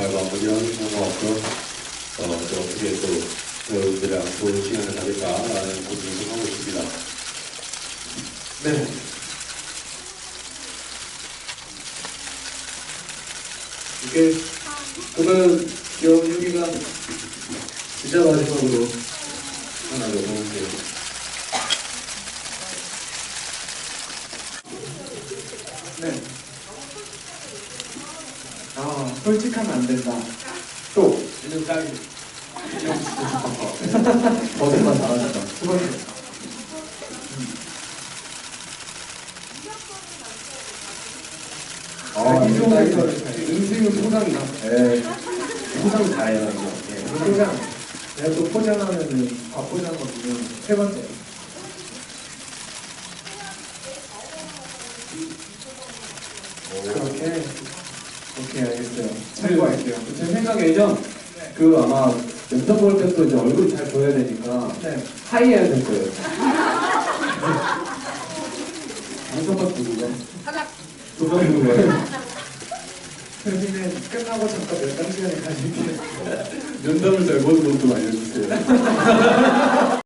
잘 마무리하는 것 같고요. 또 어떻게 또 여러분들이랑 좋은 시간을 가질까라는 고민을 좀 하고 있습니다. 네. 이게 그러면 여기가 진짜 마지막으로 하나 더 보는데요. 네. 아, 솔직하면 안 된다. 또 이름 딱 거짓말 잘하신다. 두 번째. 이종에서 인생은 포장이다. 네. 포장 잘해요, 이거. 네. 포장. 내가 또 포장하면은 밥 포장하거든요. 세 번째. 그렇게. 오케이, 알겠어요. 참고할게요. 제 생각에는 그 아마 영상 볼 때도 이제 얼굴이 잘 보여야 되니까 네. 하이 해야 될 거예요. 안성박 누구가? 조정 누구예요? 여기는 끝나고 잠깐 몇 시간에 가실게요. 면담을 잘 보는 것도 알려주세요.